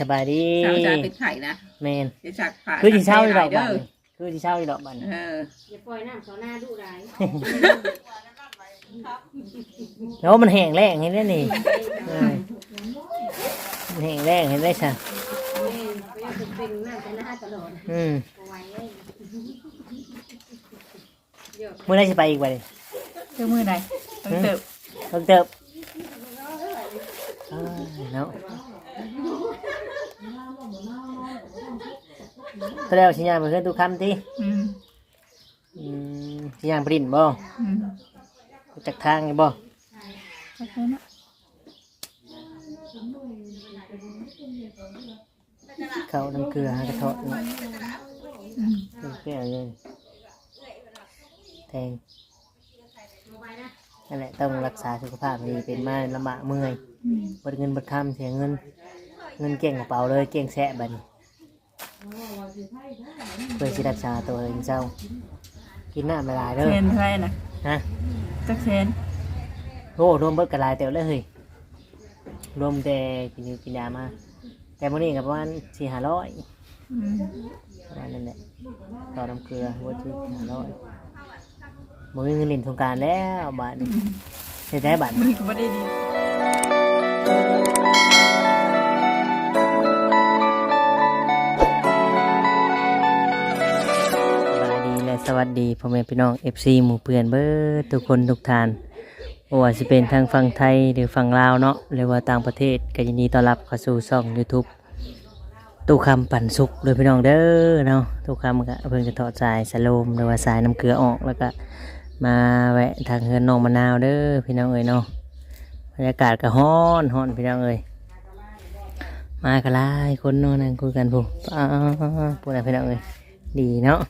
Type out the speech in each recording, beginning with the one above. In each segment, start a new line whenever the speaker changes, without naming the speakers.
สบายดี
สาวจะเป็นไข่นะ
แมน
จะจักผ่า
คือที่เช่าอีดอกบันคือที่เช่าอีดอกบัน
อย่าปล่อยน้ำเขาหน้าดุร้าย
แล้วมันแห้งแรงเห็นได้นี่มันแห้งแรงเห็นได้ใช่
ไม่อยากเป็นหน้าแต่หน้าตลอด
เมื่อไรจะไปอีกวัน
เจ้ามือไหนต้องเติบ
ต้องเติบเนาะก็แล้วชิญญาไปเพื่อนทุกคำที่ชิญญาปริ้นบ่จากทางไงบ่เขาน้ำเกลือกระเทาะแก้วเลยแทงนั่นแหละต้องรักษาสุขภาพดีเป็นมาลำบากเมื่อยบดเงินบดคำเสียเงินเก่งกระเป๋าเลยเก่งแสะบันเพื่อที่รักษาตัวเองเจ้ากินน้ำละลายเด้อ
เชนเท่าไรนะ
ฮะ
จักเชน
โอ้รวมเบิดกระลายเต็มเลยเฮ้ยรวมแต่กินยามาแต่มื่อนี้กับประมาณ400-500ประมาณนั้นแหละต่อน้ำเกลือวัตถุ500บ่มีเงินเล่นสงกรานต์แล้วบาทเสียใจบาท
มันก็ไม่ได้ดี
สวัสดีพ่อแม่พี่น้อง FC หมู่เพื่อนเบิดทุกคนทุกท่านว่าจะเป็นทางฝั่งไทยหรือฝั่งลาวเนาะหรือว่าต่างประเทศก็ยินดีต้อนรับเข้าสู่ช่อง YouTube ตู้คำปั่นสุกโดยพี่น้องเด้อเนาะตู้คำก็เพิ่งจะถอดสายสโลมหรือว่าสายน้ำเกลือออกแล้วก็มาแวะทางเฮือนน้องมะนาวเด้อพี่น้องเอ้ยเนาะบรรยากาศก็ร้อนพี่น้องเอ้ยมากันหลายคนเนาะนั่งคุยกันพูดพี่น้องเอ้ยดีเนาะ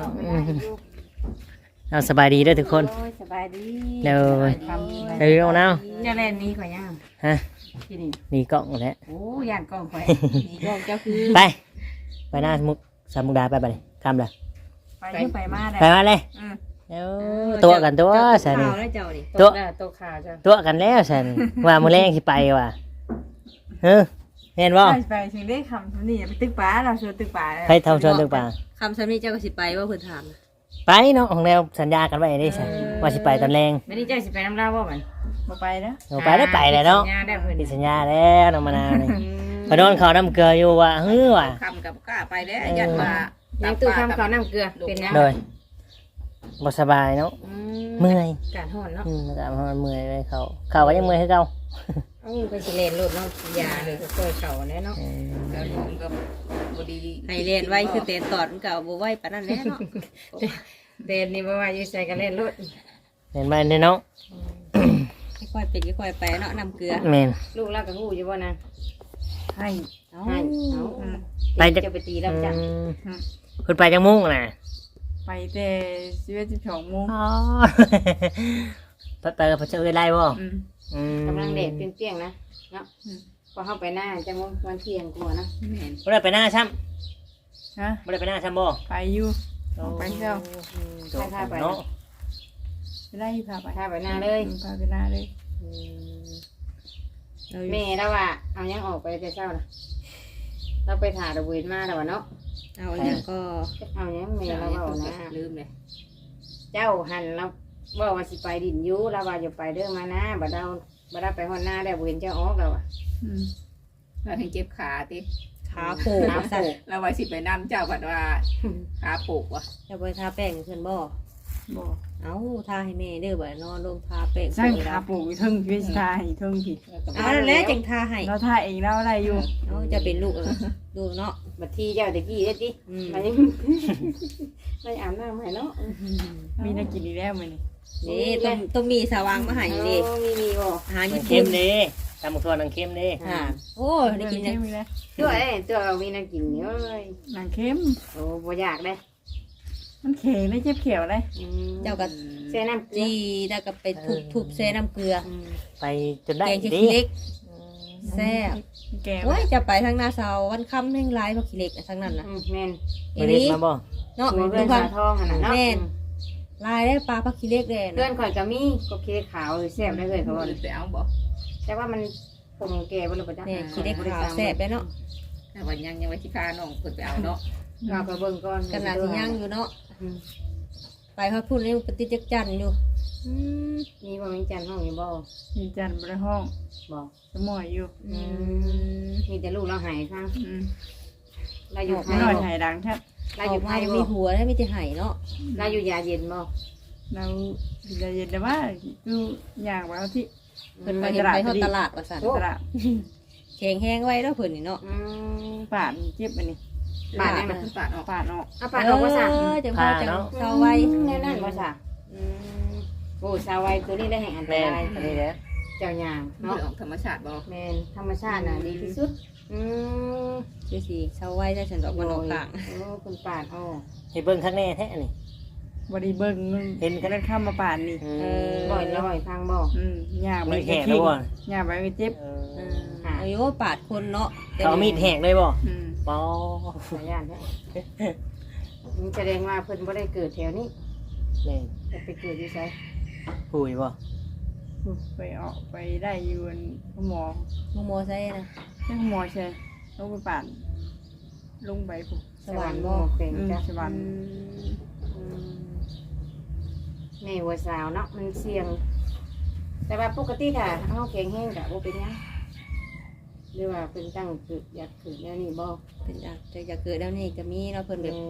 เอาสบายดีด้วยทุกคน
สบายดี
เดี๋ยวน้องน้าว
จะเล่นนี้ข่อยย่าง
ฮะนี่กล้องแล้ว
โอ้ย่างกล้องข่อยนี่กล้องเจ้าคือ
ไปหน้าสมุกดาไปเลยคำเลย
ไปมา
เลยตัวกันตัวสันตัวกันแล้วสันว่ามือแรงที่ไปว่ะเห็นบ่
ไปถึงได้คำนี่ไปตึกป่าเราชวนตึกป่า
ไปทำชวนตึกป่า
คำซ้ำนี่เจ้าก็สิไปว่าเพิ่นถาม
ไปเนาะของแนวสัญญากันไว้ได้ใช่ว่าสิไปตอนแรง
ไม่ได้เจ้าสิไปน้ำเล่าว่ามัน
มาไปแล้ว
ไปได้ไปเลยเนาะติดสัญญาแล้วน้องมะนาวนี่พอโดนเขาน้ำเกลืออยู่ว่ะว่ะ
คำกับกล้าไปแล้วยันว่า
ยังตู้คำเขาน้ำเกลือเป็นยัง
เลยบ่สบายเนาะเมื่อย
การห่อนเนาะ
การห่อนเมื่อยเลยเขาก็ยังเมื่อยให้เขา
ไปสิเลนรถเนาะยาเลยก็ค่อยเขาแน่เนาะ
แล้วผมก็บดี
ให้เลนไว้คือเตนตอดมันก็บ่ไว้ปานนั้นแน่เนาะเตนนี่บ่ว่าอยู่ใส่กันเล่นรถ
เห็นไหมเนี่ยเนาะ
ค่อยเป็นค่อยไปเนาะน้ำเกลือ
แม่น
ลูกเราก็ฮู้อยู่บ่นาง
ให้
ไปจะไปตีแล้วจ้ะ
คุณไปจังมุ่งน่ะ
ไปแต่12 โมง
อ๋อไปกับพระเจ้าได้บ่
กำลังเด็ดเปรี้ยงๆนะเนาะพอเข้าไปหน้าจะวันเที่ยงกลัวนะ
บ่ได้ไปหน้าซ้ำ
ฮะ
บ่ได้ไปหน้าซ้ำบ่
ไปอยู่ไปเจ้า
พาไป
เนาะไปได้พา
ไปหน้าเลย
พาไปหน้าเลย
แม่แล้วว่าเอายังออกไปแต่เช้านะเราไปถ่ายระเบิดมาแล้วเนาะเอายังก็เอายังแม่เราเอานะลืมเลยเจ้าหันเราบอกว่าสิไปดินยูเราว่าจะไปเด้อมานะบัดเราไปหอนหน้าได้เห็นเจ้าออกแล้วอ่ะ
เราถึงเจ็บขาติ
ขาโผล่
เราว่าสิไปน้ำเจ้าบัดว่าขาโผล่ว่ะ
จะไปทาแป้งเพื่อนบ่เอาทาให้แม่เด้อบ่นอนลงทาแป้ง
ใช่ขาโผล่ทึ่งพี่ทาให้ทึ่งพี่
แล้วจังทาให้
เราทาเองแล้วอะไรอยู่
จะเป็นลูกดูเนาะบัดทีเจ้าตะกี้ได้ดิไม่อาบน้ำให้เนาะ
มีนักกินอีแล้วมั้ย
นี่ต้องมีสว่างมาให้ดิมีบ่
หาเข้มดิตำบักถั่วนังเข้มดิ
โอ้ได้กินยังตัวมีนังกินเยอะเลย
นังเข้ม
โอ้บ่อยากได้
มันเข็งได้เจ็บเขียวเลย
เจ้าก็เซน้ำจีแล้วก็ไปทุบเซน้ำเกลือ
ไปจนได้
ดีเล็กแซ่บโอ้ยจะไปทางนาเสาวันค่ำแห่งไรเพราะขี้เล็กทางนั้นนะ
แม่นอันนี้มาบ่
เนาะ
เ
รื่องทองขนาดนั้นแม่นลายได้ปลาพักขี้เล็กเลยเพื่อนข่อยก็มีก็ขี้เล็กขาวแซ่บได้เลยเขาบอก
ไปเอาบ่
แต่ว่ามันคงแก่บ่รู้ป่ะจ๊ะเนี่ยขี้เล็กขาวแซ่บได้เนาะ
แต่ว่ายังไว้ที่พาน้องเพิ่นไปเอาเนาะ
เราก็เบิ่งก่อน
ขนาดที่ยังอยู่เนาะไปฮอดพุ่นนี่ปฏิจักจันอยู่
มีบ่มีจันห้องอยู่บ่
มีจันทร์บริห้อง
บ่
สมอยอยู่
มีแต่ลูกเราหายข้าง
อืม
เราอยู่ไท
ไม่
ย
หน่อยหายดังแทบ
เราอยู่ไทย
มี
บ่
หัวแล้วมีแต่ไห้เนาะ
เราอยู่ยาเย็นบ่
เราจะเย็นแต่ว่าดูอย่างว่าที่
เพิ่นไปเห็นไปฮอดตลาดว่าซั่น
ตลาด
แข็งแห้งไว้แล้วเพิ่นนี่เนาะ
ปาดเจ็บอันนี้
บาดยัง
เพิ่นปาดออก
ปาดออก
เอาปาดออกว่าสั่ง
จังพอจังเซาไว้
แน่นั่นว่าสั่งโอ้สาวไว้ตัวนี้ได้แห่งอันต
แม่น
ราย
อันนี้แหละ
เจ้าย่าง
เนาะ
เนาะ
ออกธรรมชาติบ่
แม่นธรรมชาติน่ะดีที่สุด
คือสิเซาไว้ได้ฉันดอกมันออกกลาง
โอ้คุณปาดอ๋อ
ให้เบิ่งข้างแน่แท้อันนี้
บริเบิ้ง
เห็นกัน
เดินข้ามมาปาดนี่
บ่อยแล้วบ่อยพังบ่
ย่างไป
มีด
ก็
แหก
ขี้
แล้วบ่
ย่างไปก็เจ็บ
อายุปาดคนเนาะ
เขาเอามีดแหกเลยบ่ปอ
สายานแท้มันแสดงว่าเพิ่นบ่ได้เกิดแถวนี้
แม่น
แต่ไปเกิดอยู่ไส
ปุยบ่
ไปออกไปได้อยู่หมอ
โมใส่นะ
ใช่หมอใช่ลงไปปาดลงไปปุ๊บ
สวรรค์บ่
เป็นจ้ะ
สวรรค์
แม่วัวสาวเนาะมันเสี่ยง แต่ว่าปกติค่ะเฮาแข็งแรงก็บ่เป็นหยังหรือว่าเพิ่นตั้งเกิดอยากเกิดแนวนี้บ่
เป็นอยากเกิดแล้วนี่ก็มีเนาะเพิ่นแบ
แม่
บบ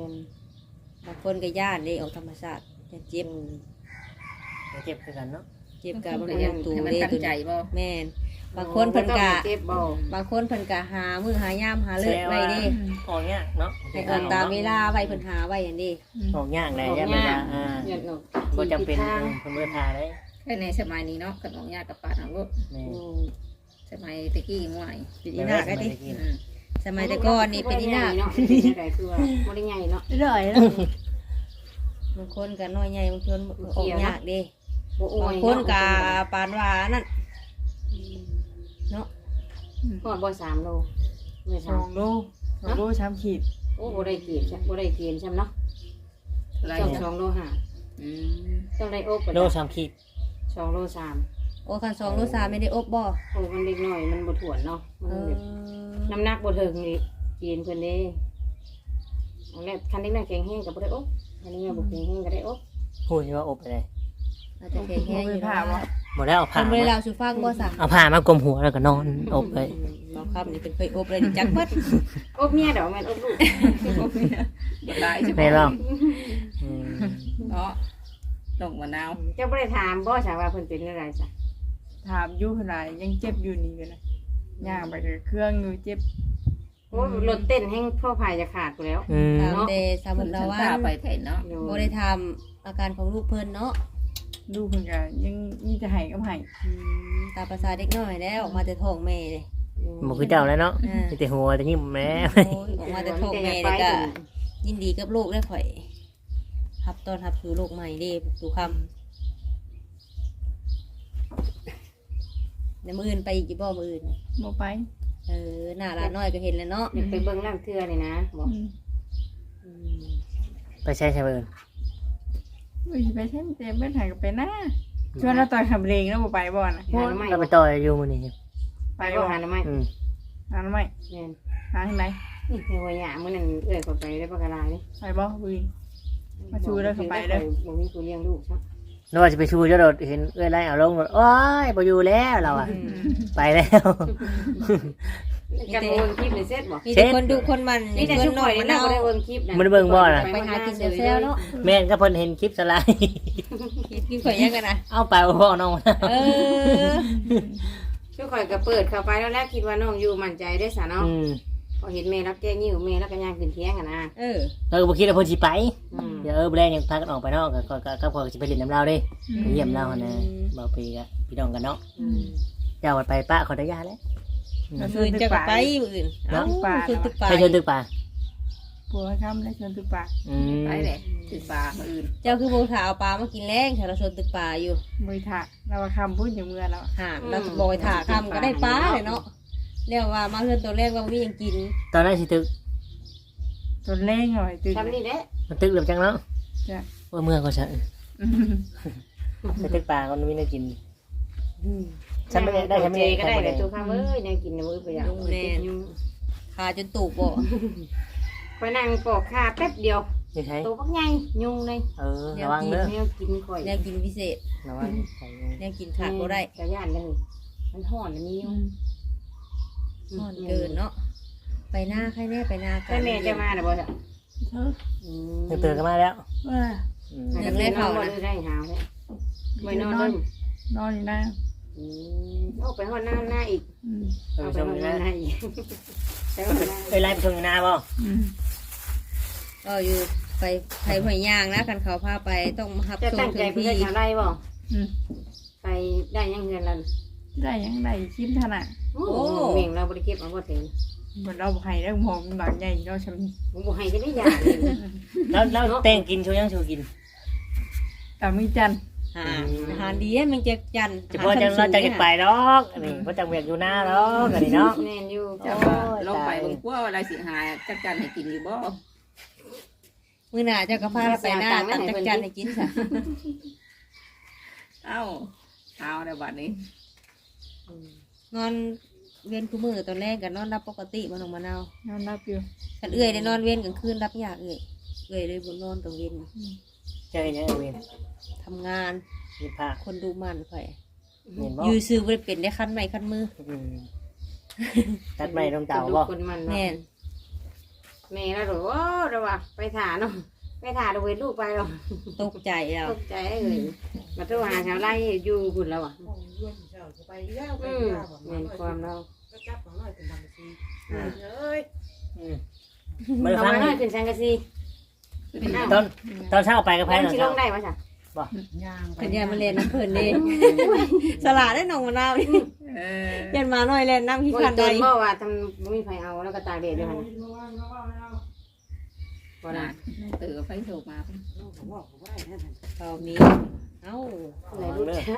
างคนก็ย่านได้ออกธรรมชาติจะเจ็บ
เจ็บคือกันเนาะ
เจ็บกับ
เพิ่น
บ่
ก็
ยั
ยัง ง
ตู
ให้มัน
เด้
กัน
ตัว
ใจ
นี้
บ่
แม่นบางคนเพิ่นก็
เจ็บบ่
บางคนเพิ่นก็หามื้อหายามหาเลิกไว้เด้
ออกยากเนาะ
ให้เอิ้นตามเวลาไว้เพิ่นหาไว้อย่างนี้
ออกยากได้ยันเวลา
หยัดออก
บ่จำเป็น
ทาง
เพิ่นบ่ได้พาได้
แค่ในสมัยนี้เนาะขนมยากับปาดเอาลูก
แม่
สมัยตะกี้ยังไหว
เป็นอีนาก็ดิสมัยแต่ก่อนนี่เป็นอีนา
เนาะเป็นได้คือว่าบ่ได้ใหญ่เนาะ
เรื่อยแล้ว
บางคนก็น้อยใหญ่บางคนออกยากเด้
บ่อ้ว
บายงคนก็ปานว่านั่นเนาะ
ฮอดบ่3โลไม่
ส
สา
อ
ม
งโลช้ำขีด
โอ้บ่ได้เกณฑ์บ่ได้เกณฑ์ใช่มั้ยเนาะ
ไร
2โล5ต้องได้อบ
โล3ขีด
2โล3
โอ้คัน2โล3ไม่ได้อบบ่
โอ้มันเล็กน้อยมันบ่ถ่วนเนาะมันแบบน้ำหนักบ่ถึงนี่เกณฑ์เพิ่นเด้อันแรกคันเด็กน้อยแข็งแรงก็บ่ได้อบคันเด็กน้อยบ่แข็งแรงก็ได้อบ
พูดว่าอบไปเลย
อาจจะแข็งแรงอยู่
ผ่า
เนาะ
วะ
บ่ได้เอา
เพิ่
ผ้าน
บ่ได้เล่าสู่ฟังบ่ซะ
เอาผ้ามากลมหัวแล้วก็นอนอบเลย
บ่ครับนี่เป็นเคยอบเลยนี่จักเบิด
อบเมียดอกแม่นอบลูก
บ่ได้ใช่ไหม
ไม่หรอก
เนาะตกมะนาว
เจ้าบ่ได้ถามบ่ใช่ว่าเพิ่นเป็นอะไรจ้ะ
ถามอยู่ขนาดยังเจ็บอยู่นี่เลยย่างไปกับเครื่องอยู่เจ็บ
โอ้รถเต้นแห้งพ่อพายจะขาดกูแล้ว
ตามแต่สมุ
เพิ่
น
น
ละวั
พาน ไปแทนเนาะ
บ่ได้ทำอาการของลูกเพิ่นเนาะ
ลูกเพิ่นก็ยังมีแต่ไห้กับไห้
ตามภาษาเด็กน้อยแล้วออกมาแต่ท้องแม่เลย
บ่คือเจ้าแล้วเนาะมีแต่หัวแต่ยิ้มแม่
โอ้ยออกมาแต่ท้องแม่เลยก็ยินดีกับลูกได้ข่อยรับต้อนรับสู่โลกใหม่เด้สู่คำเดี๋ยวมื้ออื่นไปอีกบ่มื้ออื่น
บ่ไป
หน้าร้านน้อยก็เห็นแล้วเนาะ
อยากไปเบิ่งร่างเทือนี่นะบอก
ไปใช้ใช่เบิ่น
อุ้ยไปใช้เต็มเบิ้ลหายกับไปหน้าชวนเราต่อยขับเรงแล้วบ่ไปบ่นะ
หาหน่อไม้
เราไปต่อยอยู่มื้อนี้
ไป
ไป
บ่
บ่หาหน่อไม้
หาทำไม
แม่น
หาที่ไหน
นี่ในหัวหยามื้อนั้นเอื้อยก็ไปได้ปากกาลายนี่
ไปบ่วิน มาชูแล้วเข้าไปเด้อ
บ่มีกูเลี้ยงลูกซะ
แล้วว่าจะไปชูเจ้าโดดเห็นเอ้ยไล่เอาลงโอ้ยบ่อยู่แล้วเราอ่ะไปแล้ว
กันบ่เบิ่งคลิปนี่เสร็จบ่
มีแต่คนดูคนมัน
นี่แต่
ค
ชุ
น
ก
ห
ข่
น่
อ
อย ย
นี่
มัน
นะ
เอา
บ่ได้เบิ่งคลิปนะ
มันเบิ่งบ่น่ะ
ไปหากินเซลเนาะ
แม่นก็เพิ่นเห็นคลิปสไลด์
กินข่อยยังกันนะ
เอาไปพ่อน้องมา
เออ
ชุกข่อยก็เปิดเข้าไปแล้วแรกคิดว่าน้องอยู่มั่นใจได้ซะเนาะพอเห็นแม่รับแจ้งยิ้วแม่แล้วก็ย่างขึ้นเที่ยงอ่ะนะ
เราก็บ่คิดว่าเพิ่นสิไป
อืม
เดี๋ยวแบรนด์ยังพากันออกไปนอกก็พอสิไปเล่นน้ำเราเด้ไปเยี่ยมเราหั่นนะบ่ปีก็พี่น้องกันเนาะ
อืม
เจ้าไปป้าขออนุญาตแล้ว
มื้อจะไปมื้ออื่นเอ้าคือตึกปลา
ไปชวนตึกป่า
ปัวค่ำและชวนตึกปาก
ไปเลยถึงปลามื้ออื่น
เจ้าคือบ่ถาเอาปลามากินแรงถ้าเราชวนตึกปลาอยู่
มือถะเราคำพูดอย่างเมื่อแล้ว
ห่านเราบ่อยถาคำก็ได้ปลาเลยเนาะเรียกว่ามาเพื่อนตัวแรกว่ามีหยังกิน
ตอนนั้นสิตึก
จนเล่งหน่อยตื่น
ทำนี่แหละ
มันตึกเหลือจังเนาะ
จ้ะ
ว่าเมื่อก็ฉันไปตึกป่าก็มีน่ากินฉันไม่ได้ฉันไม่
เจ
ได้
ก็ได้แต่ตัวข้าวเอ้ยยังกินนะมื้อไปอย่าง
ขาจนตูบบ่
คอยนั่งปอกขาแป๊บเดียว
นี่ใช่
ตัวบักใหญ่ยุงเลย
ระวังเด้อ
แมวกินข่อย
แนวกินพิเศษ
ระวังใส่
แนวกินขาดบ่ได้
กระย่านเลยมันห่อนอันนี้ยุง
นอนเกินเนาะไปหน้าใครแน่ไปหน้ากั
ใช่แม่จะมาหรือเปล่าจ๊ะ
ตื่นกันมาแล้ว
ว่า
ยังได้เผานะ
ได้หาวเลยไปนอนเลย
นอนอยู่นะ
เอาไปห่อนหน้าอีก
อืม
เอาไปห่อนหน้าอีกไปห่อนหน้า
ไปไล่ไปชมนาบ่
อืม
ก็อยู่ไปไผหอยย่างนะคันเขาพาไปต้องมารับ
จะ
ส่
ตั้
ง
ง
ถึ
ใจ
ง
ไป
ที่
ได้อะไรบ่
อืม
ไปได้ยังเงินแล้ว
ได้ยังไงคิดขนาด
โอ้เม่งเราบริเก็บเอาบ่ถึง
เหมือนเราให้เรื่องหอมหลังใหญ่เราชำ
ผมบอกให้จะได้ยาเลย
แล้วแต่งกินชูยังชูกิน
แต่มีจันทร์
อาหารดีมันจะจัน
เฉพาะจังเราจะไปดอกอันนี้เพราะจังเวียกอยู่หน้าดอกอันนี้เนาะ
แน่นอยู่
เจ้าว่าลงไปเบิ่งกว่าอะไรสิหายจักจันให้กินอยู่บ่
มื้อหน้าเจ้าก็พาไปหน้าตักจักจันให้กินซะ
เอ้าเอาในบัดนี้
นอนเว้นคู่มือตอนแรกก็นอนรับปกติบ่น้องมะนาวน
อนรับอยู่
คันเอื้อยได้นอนเว้นกลางคืนรับยากเอื้อยเลยบ่นอนตอนเว้น
เจอยังเวียน
ทำงาน
มีผ้า
คนดูมันข่อย
เห็นบ่
อยู่ซื้อบ่ได้เป็นได้คันไม้คันมือ
ตัดไม้ตรงเต่า
ดู
บ่
คนมัน
แม่น
แม่แล้วหรอว่าเราว่าไปถาเนาะไปถาเราเวรลูกไปหรอ
ตกใจแล้ว
ตกใจเลยมาโทรหาชาวไร่อยู่บุญเราอ่ะเงินความเรา
มา
เรา
ฟัง
มาหน่อยขึ้นสังกะสี
ตอนเช้าไปกับไผ่
แล้
ตอน
ชิล
เช้าง
ได้ปะจ๊ะ
เพิ่นอย่ามาเล่นน้ำเพิ่นนี่สลาดได้น้องมะนาวนี่
เออ
ยันมาหน่อยเล่นน้ำขี้
โอ้
คั
ย
น
เตื
ใด
อนบ่ว่าทำมีไฟเอาแล้วก็ตากแดดด้วยฮะบ่
น่ะ
ได้
ตื่นไฟโทรมา
ตอนนี้เอ้า
เลยรู้จัก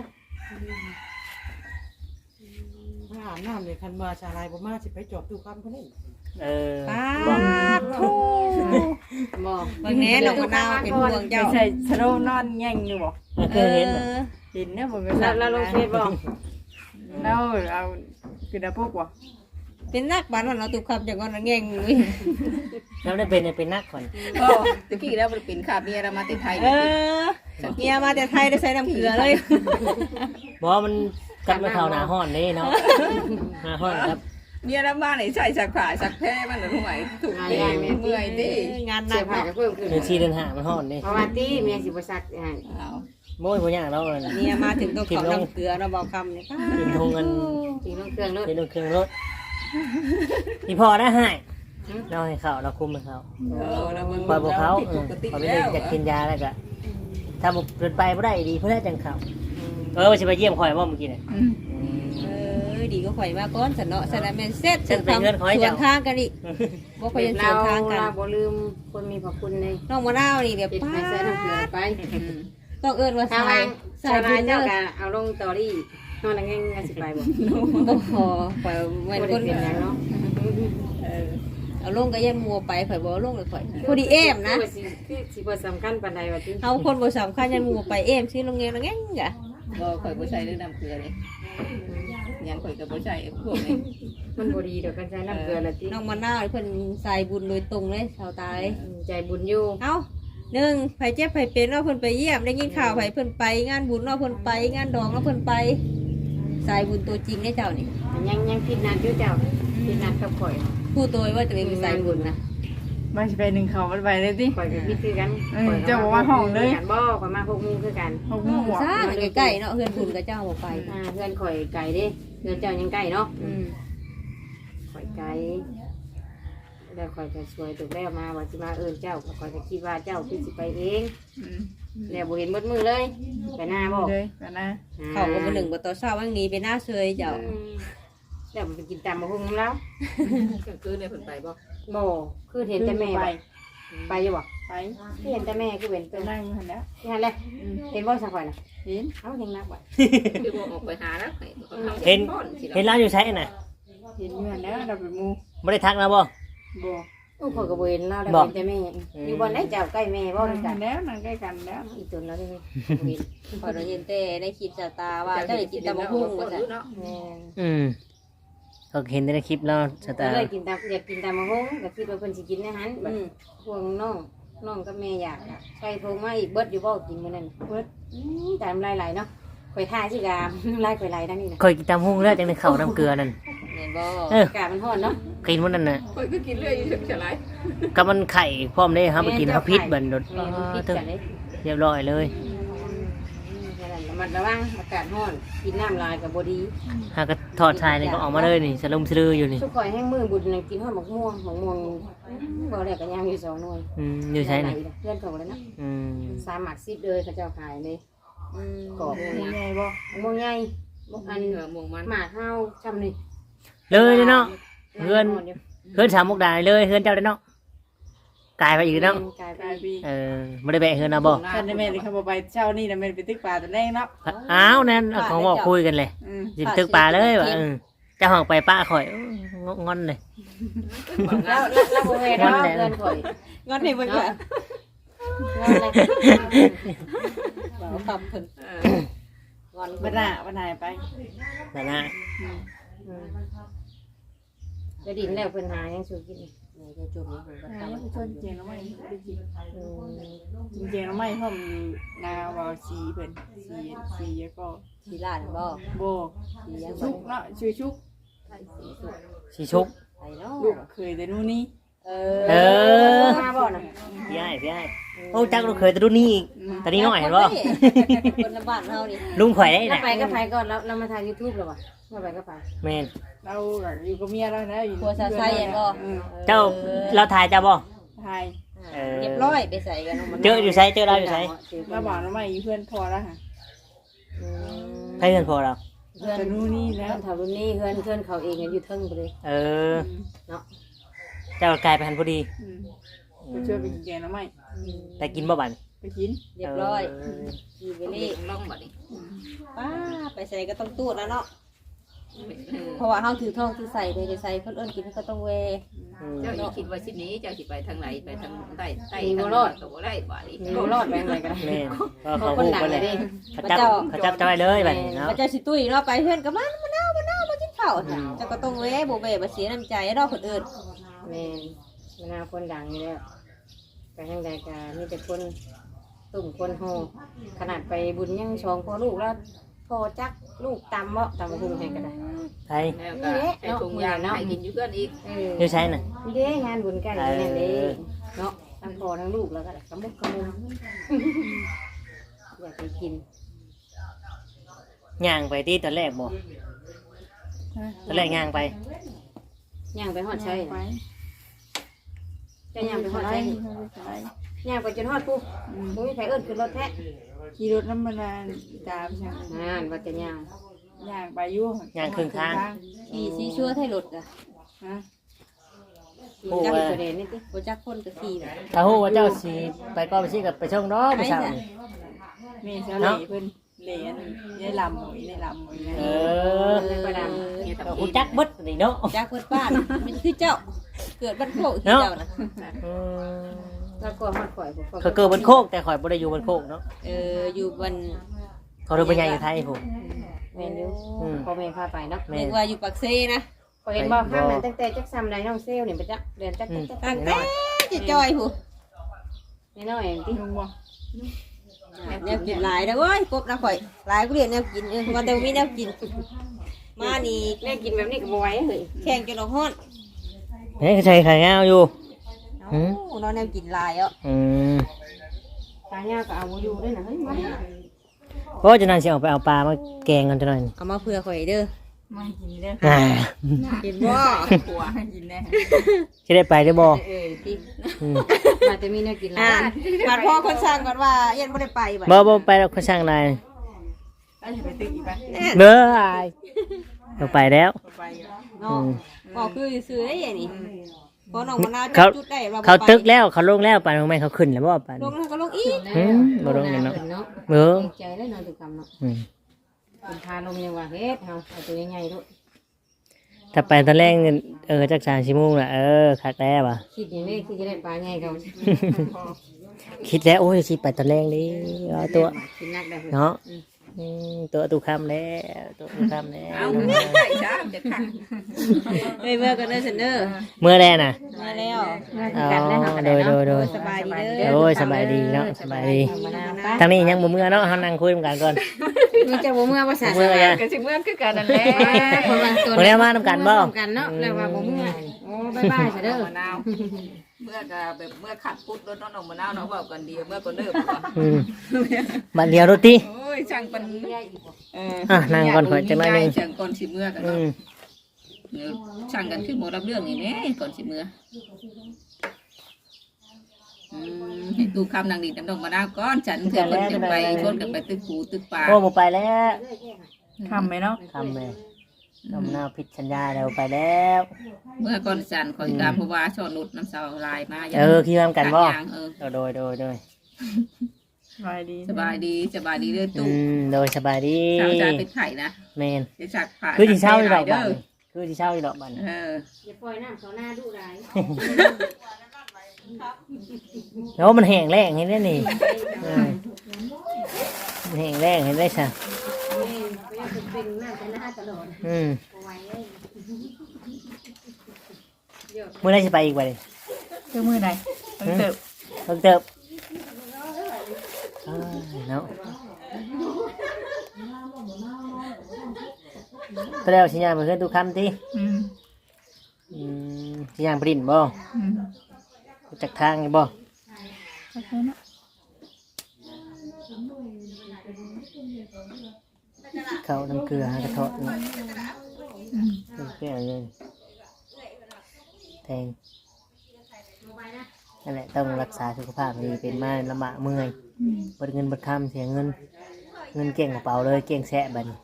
ถ้าอาบน้ำเลยคันมาชาลายบ่มาสิไปจอบดูคำเพิ่นนี่
ป้า
บ่
ดโธ่
บ่
บางแน่น้องมะนาวเป็นห่วง
ไป
เจ้า
ใส่สโลนอนแง่งอยู่บ่
เคยเห็น
เห็นเนี่ยผมก็
เราลงเฟซบ่
แล้วเอาคือดาพวกบ่
เป็นนักบ้านเราตุกคำจากงอนแง่งอุ้ย
แล้วได้เป็นนักก่อน
ก็ตะกี้แล้วมันเป็นขาเมียเรามาแต่ไทย
เมียมาแต่ไทยได้ใช้น้ำเกลือเลย
บอกว่ามันกันมาเท่าหนาห้อนนี่เนาะหนาห้อนครับ
เมียเรามาไหนใส่สักผ้าสักแพ้มันหรือไหวถูกเองเมื่อยดิ
งานหนั
เสื้อก ผ้า
เนาะ
ก็เพิ่มขึ้น
เดือน4เดือน5มันห้อนนี่
เพราะว่าตี้เมียสิบ่ซักให้
เอา
โม้ยบ่ยากแล้วเลย
เมียมาถึงต้องขอน้ำเกลือเราบอกคำเนี่ย
กินทงเงิน
จริงต้องเครื่องเนอะ
กินเครื่องรถพี่พอได้ให้เราให้เขาเราคุมให้เขา
เราเบิ่ง
ปล่อยบอกเขา
ปกติ
เขาไม่
แล้
ได้
ว
จะกินยาแล้วก็ถ้าบุกเดินไปไม่ได้ดีเพื่อจังเขาว่าจะไปเยี่ยมคอยว่าเมื่อกี้เนี่ย
อืม
ดีก็ข่อยมาก้อนสันเนาะสันแมนเซ็ต
ฉันไปเงินขอให้
สว
เจ้า
นทางกันอีกบ่ข่อยยังส
เรา
วนทางกัน
เราบ่ลืมคนมีพระคุณเลย
น้องมะนาวนี่แบบ
ปิด
ป้า
ไฟใส่น้ำเกลือไป
ต้องเอิ้นว่า
ถ้า
ใส่
วาง
ใส่
ชาว
บุ
นา
ญเด้
เจ้า
อ
ก็เอาลงตอรี่นอนนั่งง่ายๆสิไปบ่
บ่พอข่อยเหมือน
บ่
ค
ได้
น
เปลี่ยนหยังเนาะ
เอาลงก็ยันมัวไปข่อยบ่ลงเลยข่อยพอดีเอมนะ
คือสิบ่สำคัญปานใดว่าติ
เอาคนบ่สำคัญยันมัวไปเอมชื่อโรงเรียนแง่งกะ
บ่ข่อยบ่ใช้เรื่องน้ำเกลือเลยยังข่อยก็บ่ใช้พวกนี้
มันบ่ดีดอกกันใช้น้ำเกลือละติ
น้องมะนาวเพิ่นใส่บุญโดยตรงเลยชาวตาย
ใจบุญอยู่
เอ้าหนึ่งไผเจ็บไผเป็นเนาะเพิ่นไปเยี่ยมได้ยินข่าวไผเพิ่นไปงานบุญเนาะเพิ่นไปงานดองเนาะเพิ่นไปสายบุญตัวจริงได้เจ้านี่
ยังผิดนัดอยู่เจ้าผิดนัดกับข่อย
พูดตัวว่าตัวเองเป็นสายบุญนะ
มาสิไปหนึ่งเขามันไปเลยติ
ข่อยก็ผิดคือกัน
เจ้าบอกว่าห้องเลย
กันบ่ข่อยมา6โมงคือกัน
หกโมงบ่
ซ่าใกล้ๆเนาะเพื่อนบุญกับเจ้าบ่ไป
เพื่อนข่อยไก่เด้เพื่อนเจ้ายังไก่เนาะ
อืม
ข่อยไก่แล้วข่อยจะช่วยถูกแล้วมาว่าสิมาเจ้าข่อยก็คิดว่าเจ้าคือสิไปเอง
อืม
แล้วบ่เห็นมืดมือเลยไปหน้าบ่
เลยกันนะ
เขาก็บ่หนึ่งบ่ต่อเช้าวันนี้ไปหน้าเซยเจ้า
แล้วมันไปกินตามมาพุ่งแล้ว
กลางคืนเนี่ยเพิ่นไปบ่
บ่คือเห็นแต่แม่
ไป
ไปอยู่บ่
ไป
เห็นแต่แม่คือเป็น
ไป
ตัว
นั่งอยู่หันแล้ว
ที่นั่นแหละเห็นบ่สักข่อยน่ะ
เห็น
เอ้าเห็นนักบ่
คือบ่ออกไปหาแล้วให้เขา
เห็น
ป้อนสิ
เห็นร้านอยู่ใช้น่ะ
เห็นอยู่หันแล้วเราไปมู
ไม่ได้ทักนะบ่
บ่
โอ้ข่อยก็บ่เห็นเราแล้ว
บ่
เห็นแต่แม่อยู่บ่ไหนเจ้าใกล้แม่บ่
นั่
นั่
ง
น
กั
กัน น
แล้วนั่งใกล้กันแล้ว
อีตุนแล้วนี่
พอเราเห็นแต่ในคลิปสตาว่าเจ้าได้กินตะมะฮุ่งว่าซั่น
เนาะ
แม่
อืมก็เห็นในคลิปแล้วส
ก็
ตาร์
เลยกินตามอยากกินตามมะฮงก็คิดว่าเพิ่นสิกินในหันแบบพวกน้องกับแม่อยากอะใส่โทงมาอีกเบิดอยู่บ่กินมื้อนั้นเบิดตามหลายๆเนาะข่อยทาสิกาลายข่อยลายดังนี้นะ
เคยกินตามหุ้งเลือดจังในข้าวน้ำเกลือนั่น
แม่นบ่
เออ
อากาศมันร้อนเนาะ
กินมันนั่นน่ะ
ข่อยก็กินเรื่อยอยู่ฉลาย
กับมันไข่พร้อมได้ครับไปกินข้าวพิษบันโดด
แม่นมันพิษ
ตึ้ง
กันเด้
เรียบร้อยเลย
ระมัดระวังอากาศร้อนกินน้ำลายก็บ่ดี
หากก็ถอดชายนี่ก็ออกมาเลยนี่สลุมสลืออยู่นี่
สุกข่อยแห้งมือบุญนั่งกินฮอดมะม่วงบ่ได้ก็ย่างอยู่2หน่วย
อยู่ใช่นี่
เพื่อนเขาแล้วนะ
อืม
3หมัก10เลยเขาเจ้าขายเลยกรอบ
หมูใหญ่บ่
มะม่วงใหญ่บ่อัน
เหนือหมงมัน
หมากเฮาจำนี่
เลยเนาะเพื่อนสามมุกดาเลยเพื่อนเจ้าได้เนาะกลายไปอีกเนาะ
กลาย
กลาย
ไป
ปี
ไม่ได้แบะเฮือนเอาบ่
ท่านได้แม่นเขาบ่ไปเช้านี่น่ะแม่นไปตึกป่าตอนแรกเนาะ
อ้าวนั่นเอาของบอกคุยกันเลย
อืม
จิบตึกปลาเลยว่ะเจะห้องไปป้าข่อยงอนเลย
แล้วบ่แม่เนาะเพื่อนข่อย
งอนให้เบิ่งว่า
งอนเลย
บ่คำเพิ่น
งอน
บ่น่าบ่น่าไป
นั่นนะ
จะดินแล้วเพิ่นหายังสู้กินจะจุ่มแล้วเพิ่นก็
อ่า
ตำ
ชวนเจียงน้ำไม้ได้กินเจียงน้ำไม้พร้อมนาว่าสีเพิ่นสีแล้วก็
สิลาดบ่
โบ
สียัง
ชุกเนาะชื่อชุก
สีชุก
ไปเนาะ
ลูกเคยแต่นู่นนี่
มาบ่น่ะ
พี่ไอ้โอ้จักเราเคยแต่รุ่นนี้อีกตอนนี้น้อยเห็นบ่
คนละบ้านเฮานี่
ลุงข่อยได้
แล้ว
น่ะ
ไปก็ไปก่อนแล้วเรามาถ่าย YouTube แล้วว่ะมาไปก็ไป
แม่น
เราอยู่กับเมียเรานะอยู่
ผัวสาวไส้บ่
เจ้าเราถ่ายเจ้าบ่
ไทย
เรียบร้อยไปใส่กัน
เจออยู่ไสเจอเราอยู่ไส
เราบอกน้ำไม้อยู่เพื่อนพอแล้วค่ะ
ใครเงินพอเรา
เพื่อน
แต่นู่นนี่แล้ว
เท่ารุ่นนี้เพื่อนเขาเองอยู่เทิงไปเลย
เออเจ้ากลายไปหันพอดี
ไปช่วยไปกินแกงน้ำไม้
แต่กินบ่บัน
ไปกิน
เรียบร้อย
ทีเว
นี่
ลี่
ล่องบัดนี้
ป้าไปใส่ก็ต้องตูดแล้วเนาะเพราะว่าเฮาถือทองถือใส่เด้จะใส่เพิ่นเอิ้นกินก็ต้องเว
เจ้าอย่าคิดว่าชิ้นนี้เจ้าสิไปทางไหนไปทางใต้ทางก็บ่ได้บ่นี้
มีรอดไปไหนกัน
แม่นก็
เขา
เขา
คน
พูด
หนัก
ไป
เล
เลย ย
ดิ
เขาจับจะไปเลยแบบนี้เนาะ
พระเจ้าสิตุ้ยเนาะไปเพื่อนก็มันมะนาวมากินข้าวเจ้าก็ต้องเวบ่เวบ่เสียน้ำใจเนาะคนอื่น
แม่มะนาวคนดังอยู่แล้วไปทางใดกันมีแต่คนตุ่มคนโฮขนาดไปบุญยังชองพอลูกแล้วพอจักลูกตำเมาะตำหุงให้กันได้
ไทย
แล้วก็ให้ถุงยางให้กินอยู่เพื่อนอีก
อยู่ใช่น่ะ
นี่เด้งานบุญใกล้นี่เด้เนาะทั้งพ่อทั้งลูกแล้วก็กระมุกกระมุมอยากไปกิน
ย่างไปที่ตอนแรกบ่ตอนแรกย่างไป
ย่างไปหอดใช่
ไป
จะย่างไปหอด
ไป
ใช่
ไป
ย่างไปจนหอดปุ๊บมึงมีใครเอิ้นขึ้นรถแท้
ขี่รถน้ำมันตามช่าง
งานว่าจะย่าง
ย่างไปอยู่
ย่างครึ่งทาง
ขี่ซีชั่วให้รถอ่ะ
ฮะ
จักประเด็นนี่ติ
บ่จักคนก็ขี่น่ะ
ถ้าฮู้ว่าเจ้าสิไปก็ไปสิกับไปช่องเนาะผู้สาวนี่
มีเสาเหล่เพิ่นเหรียญได้ลำหอยได้ลำหอย
เอ
เลยประดาม
เนี่ย
ก็
ทำ
ฮู้จักเบิดนี่เนาะ
จักเพิ่นป้ามันคือเจ้า เกิดบ้านโคกที่เจ้าน่ะ
อืม
แล้วก็หอดข่อย
เขาเกิดบนโคกแต่ข่อยบ่ได้อยู่บนโคกเนาะ
อยู่บน
เขาเริ่มเป็นใหญ่อยู่ไทยผม
แม่นอยู่พ่อแม่พาไปเนาะ
แม่
นึ
น
กว่าอยู่ปักเซนะ
พอเห็นบอกข้างนั้นตั้งแต่จักซ้ำใดน้องเซลนี่ไปจักเรียนจัก
ตั้งแต่จะจอยผู้
น้อยเองติ
ลุงบ่
แนวกินหลายนะเว้ยกบนะข่อยหลายกูเรียนแนวกินวันเดียวมีแนวกิน มานี่
แม่กินแบบนี้ก็บ่ไหวเฮ้ย
แข่งจนออกฮ้อน
เฮ้ยใส่ไข่งาวอยู่
เอ้าน้องแนวกินหลายอ่ะ
อืม
ตาย่าก็เอาบ่อยู่ด้วยนะเฮ้ยมา
เพราะจะนั่นสิออกไปเอาปลามาแกงกันจะหน่อย
เอามาเผื่อข่อยเด้อ
ไม่กินเด้อ
อ่า
กินบ่
หัวกินแน่
จะได้ไปได้บ่
ติ
อืม
มาจะมีแนวกินหลา
อ่าย บาดพ่อคนสั่งก่อนว่าเย็นบ่ได้ไปบัด
บ่ไปแล้วเขาช่างนาย
แล้วจะไปตึกอีกไหม
เบ้ออายเราไปแล้ว
ไปอยู่
เนาะบอกคือซื้อได้ยังนี่พอน้องมะนาว
เขา
จุดได้เรา
เขาตึกแล้วเขาลงแล้วปานของแม่เขาขึ้นแล้วบ่ปาน
ลงแล้วก็ลงอีก
บ่ลงเนาะ
เนาะ
เบ้อ
ใจแล้วนอนตุกรรมเนาะ
อืม
คุณพาลงยังว่าเฮ็ดเฮาเอาตัวใหญ่ๆลูก
ถ้าไปตอนแรกจัก3ชั่วโมงล่ะคักแล้วว่ะ
คิดอย่างนี้คือจะได้ปลาใหญ่เขา
คิดแล้วโอ้ยสิไปตอนแรกดิเอาตัว
กินนักได้
เนาะตัวตุคำแล้วตัวตุคำแล้ว
เอาได้จ้าจะขัง
ไปเมื่อกันเด้อเซนเดอร์
เมื่อแรกน่ะ
มาแล้ว
เมื่อกันได้เฮาก็
โด
ได้
ยโด
เนาะ
ยโดย
สบายดีเด้อ
โอ้ยสบายดีเนาะสบายดี
มะนาวไป
ทางนี้ยังบ่เมื่อเนาะเฮานั่งคุยกันก่อน
มึงจะบ่เมื่อภาษา
เมื่อกัน
ก็สิเมื่อคือกันนั่นแหละ
คนว่าตัว
มื้อนี้มานํกันบ่
กันเนาะแล้วว่าบ่เมื่อโอ้บ๊ายบายซะเด้อ
มะนาวเมื่อก็แบบเมื่อขัดพุดรถน้องมะนาวเนาะเว้ากันดีเมื่อก็เลิก
อืมบัดเดียวรถติ
โอ้ยช่างเป็น
นั่งก่อนขอจังหน่อยหนึง
ช่างก่อนสิเมื่อกัน
อื
เนาะ
ม
ช่างกันคือหมดรับเรื่องนี่แม่ก่อนสิเมื่อให้ตู้คำนางดีน้ำดอกมะนาวก้อนฉันเถื่อนคนจะไปชวนกันไปตึกปูตึกปลา
โอ้บ่ไปแล้ว
ทำไหมเนาะ
ทำเลยน้ำหน้าผิดสัญญาแล้วไปแล้ว
เมื่อก่อนฉันคอยตามเพราะว่าชอนนุดน้ำสาวลายมา
คิดว่ากันบ่ โดย
สบายดี
สบายดีเด้อตู้
โดยสบายดี
สาวจานเป็นไข่นะ
แมน
เดี๋ยวจักผ่า
คือที่เช่าอีดอกบันคือที่เช่าอีดอกบัน
อย่าปล่อยน้ำเขาหน้าดุร้าย
แล้วมันแห้งแรงเห็นได้นี่มันแห้งแรงเห็นได้ใช่
ก็ยังเป็นน้ำแต่หน้าตลอด
มื่
ไว้
อไรจะไปอีกวัน
คือมือใดต้องเติบ
เพิ่งเติบเนาะก็แล้วสิยางไปเพื่อนทุกคำที่ สิยางปริ้นบ่จากทางนี่บ่
โอเคเนาะ
เขาน้ำเกลือหากระเทาะนี่เปรี้ยวเลยแทงนั่นแหละต้องรักษาสุขภาพดีเป็นมาลำบากเมื่อยเบิดเงินเบิดคำเสียเงินเก่งกระเป๋าเลยเก่งแสะบัดน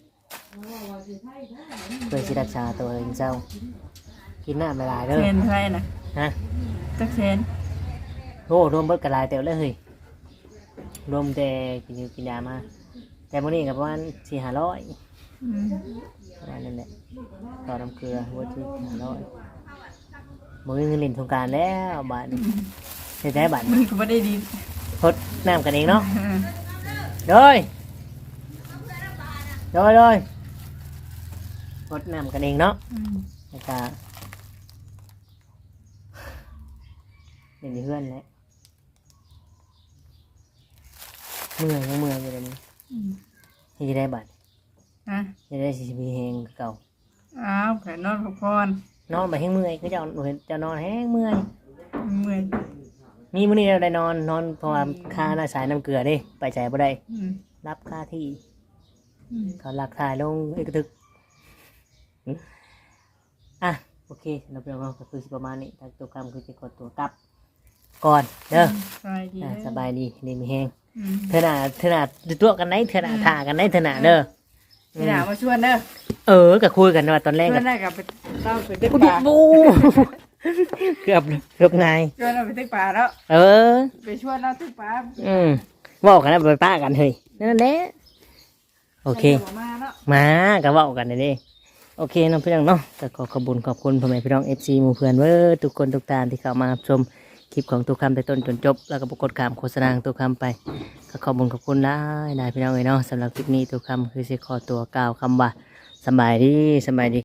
เพื่อที่รักษาตัวเองเจ้ากินน้ำไม่ลายเด้อ
เซนเท่าไหรนะ
ฮะ
จักเซน
โอ้รวมเบิดกระลายเต็มเลยเฮ้ยรวมแต่กินอยู่กินยามาแต่มื้อนี้กับประมาณ400-500ประมาณนั้นแหละต่อน้ำเกลือวัตถุ500มื้อเงินเล่นสงกรานต์แล้วบาทใช้ได้บาท
มันก็ไม่ได้ดี
พดน้ำกันเองเนาะโดยพดน้ำกันเองเนาะแล้วก็เล่นอยู่เพื่อนแหละเมื่อยอยู่เลยนี่ให้จะได้บาท
อ่ะ
จะได้สิมีแหงเก่า
อ้าวแผ่นนอนพักผ่อน
นอนไปแห้งเมื่อยก็จะนอนแห้งเมื่อย
เมื่อย
มีมื้อนี้เราได้นอนเพราะว่าค่าหน้าสายน้ำเกลือเด้ไปใจบ่ได้ รับค่าที่เขาหลักถ่ายลงเอกทึกโอเคเราไปลองก็คือสิประมาณนี้ถ้าตัวคำคือจะกดตัวกลับก่อนเด้อ
สบายดี
สบายดีดีมีแห้ง
อืม
เธอหน่าดูตัวกันไหนเธอหน่าถ่ากันไหนเธอหน่าเด้อ
พี่หนามาชวนเด้อ
ก็คุยกันว่าตอนแรก
ชว
กัน
นได้กับไปเต้าไปตึก
ปุ๊บ
ปลา
บูเกือบไง
ชวนเราไปตึกปลาแล้ว ไปชวนเราตึกปลา
บอกกันนะไปป้ากันเฮ้ยนั่นแหละโอเค
มาแล้ว
มาก็เว้ากันเลยเด้โอเคน้องพี่น้องเนาะแต่ขอขอบคุณพ่อแม่พี่น้อง FC หมู่เพื่อนเว้อทุกคนทุกตาที่เข้ามารับชมคลิปของตัวคำแต่ต้นจนจบแล้วก็ปรากฏการโฆษณาตัวคำไปก็ขอบคุณได้พี่น้องเนาะสำหรับคลิปนี้ตัวคำคือสิขอตัวกล่าวคำว่าสบายดี